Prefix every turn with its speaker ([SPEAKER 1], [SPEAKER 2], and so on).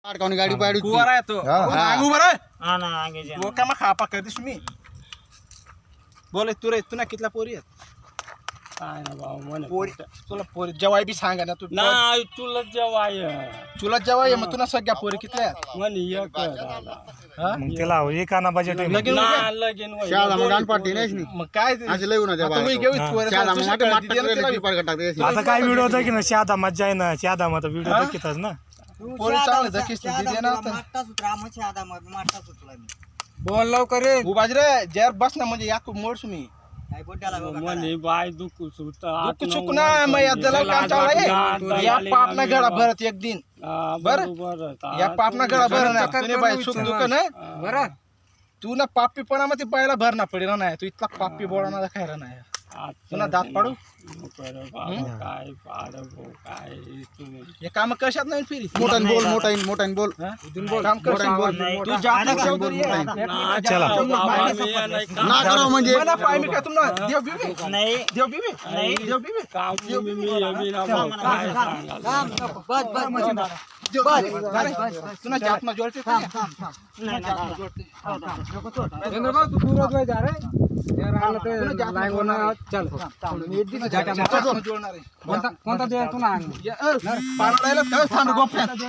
[SPEAKER 1] अडकावणी गाडी पाडी
[SPEAKER 2] कुवारा आहे तो आंगू बरं
[SPEAKER 3] हा ना आंगेचे
[SPEAKER 2] वो का मग खापा करतेस मी बोले तू रे तू ना कितला पोरी आहेत
[SPEAKER 3] काय ना भाऊ म्हणे
[SPEAKER 2] पोरी तुला पोरी जवाई बी सांगा ना तू
[SPEAKER 3] नाही तुला जेवाय
[SPEAKER 2] तुला जवाई मग तुला सगळ्या पोरी कितल्या आहेत
[SPEAKER 3] म्हणे एक दादा
[SPEAKER 2] हा?
[SPEAKER 4] मग त्याला एकाना बजेट
[SPEAKER 2] लगीन
[SPEAKER 3] ना
[SPEAKER 2] होते?
[SPEAKER 3] लगीन होय.
[SPEAKER 1] शाळा मग गाण पाडते नाहीच नाही
[SPEAKER 2] मग काय ते?
[SPEAKER 1] आज लय उन्हा त्या
[SPEAKER 2] आता मी
[SPEAKER 1] बाहेर.
[SPEAKER 2] घेऊ
[SPEAKER 4] हा.
[SPEAKER 2] पोरी.
[SPEAKER 1] शाळा मग
[SPEAKER 2] दुसरी
[SPEAKER 1] माटे
[SPEAKER 2] कडे दिली ना तिला बी.
[SPEAKER 1] टाकते
[SPEAKER 4] आता काय व्हिडिओ होता की ना शादा मज्जा आहे ना शादा मग व्हिडिओ
[SPEAKER 2] हा?
[SPEAKER 4] दाखवतात ना
[SPEAKER 2] पोरी चांगलं धकीस तू दिली ना आता.
[SPEAKER 5] बोल लवकर रे
[SPEAKER 2] उभाज रे जर बस ना म्हणजे याकू मोडस मी
[SPEAKER 3] म्हणे बाय दुखू सुट
[SPEAKER 2] दुःख चुक ना मग या जला काम चालू या पाप ना गळा भरत एक दिन बरं? या पाप ना गळा भर ना तुने बाई सुख दुःख ना
[SPEAKER 5] बरं
[SPEAKER 2] तू ना पापीपणा मध्ये बायला भरणा पडेल नाही तू इतका पापी बोळा खायला नाही तुला दात पाडू
[SPEAKER 3] काय पाड काय तुम्ही
[SPEAKER 2] हे काम कशात नाही फिरी
[SPEAKER 1] मोठान बोल मोठान बोल
[SPEAKER 2] काम कर तू जात चौधरी
[SPEAKER 4] चला.
[SPEAKER 1] ना करो म्हणजे
[SPEAKER 2] मला पाय मी काय तुम्हाला देव बिबी
[SPEAKER 3] नाही
[SPEAKER 2] देव बिबी
[SPEAKER 3] नाही.
[SPEAKER 2] देव बिबी
[SPEAKER 3] काम तुम्ही मी ना भाऊ काय सांगाल
[SPEAKER 2] तुला जात ना जोडते
[SPEAKER 5] तू दूर जा रे राहिलं ते लाईन वर चल
[SPEAKER 2] जोडणार आहे
[SPEAKER 5] कोणता दे तू ना
[SPEAKER 2] पाणी थांब गोप्यात